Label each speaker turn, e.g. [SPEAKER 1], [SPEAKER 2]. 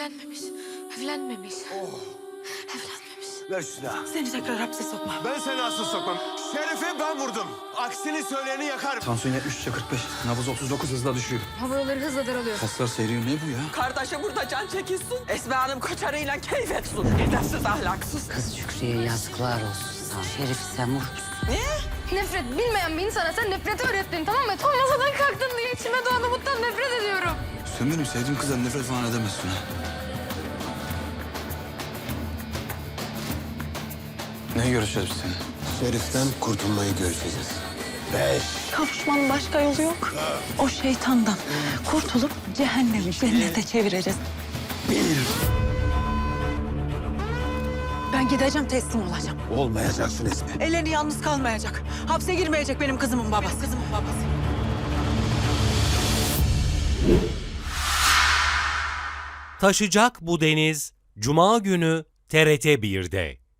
[SPEAKER 1] Evlenmemiş. Evlenmemiş. Evlenmemiş.
[SPEAKER 2] Ver şu silahı.
[SPEAKER 3] Seni tekrar hapse sokmam.
[SPEAKER 2] Ben seni asıl sokmam. Şerif'i ben vurdum. Aksini söyleyeni yakarım.
[SPEAKER 4] Tansiyon 73'e 45. Nabız 39 hızla düşüyor.
[SPEAKER 1] Hava yolları hızla daralıyor.
[SPEAKER 4] Kaslar seyrediyor. Ne bu ya?
[SPEAKER 3] Kardeşe burada can çekilsin. Esma Hanım koçarıyla keyif etsin. Edepsiz, ahlaksız.
[SPEAKER 5] Kız Şükrü'ye yazıklar olsun sana. Şerif sen vurmuşsun.
[SPEAKER 1] Nefret bilmeyen bir insana sen nefreti öğrettin, tamam mı? Tam masadan kalktın diye içime doğan umuttan nefret ediyorum.
[SPEAKER 4] Sen benim sevdiğim kızdan nefret falan edemezsin ha. Ne görüşeceğiz biz seninle?
[SPEAKER 2] Şerif'ten kurtulmayı görüşeceğiz. 5.
[SPEAKER 3] Kavuşmanın başka yolu yok. O şeytandan kurtulup cehennemi cennete çevireceğiz.
[SPEAKER 2] 1.
[SPEAKER 3] Ben gideceğim, teslim olacağım.
[SPEAKER 2] Olmayacaksın Esmi.
[SPEAKER 3] Eleni yalnız kalmayacak. Hapse girmeyecek benim kızımın babası.
[SPEAKER 6] Taşacak bu deniz Cuma günü TRT 1'de.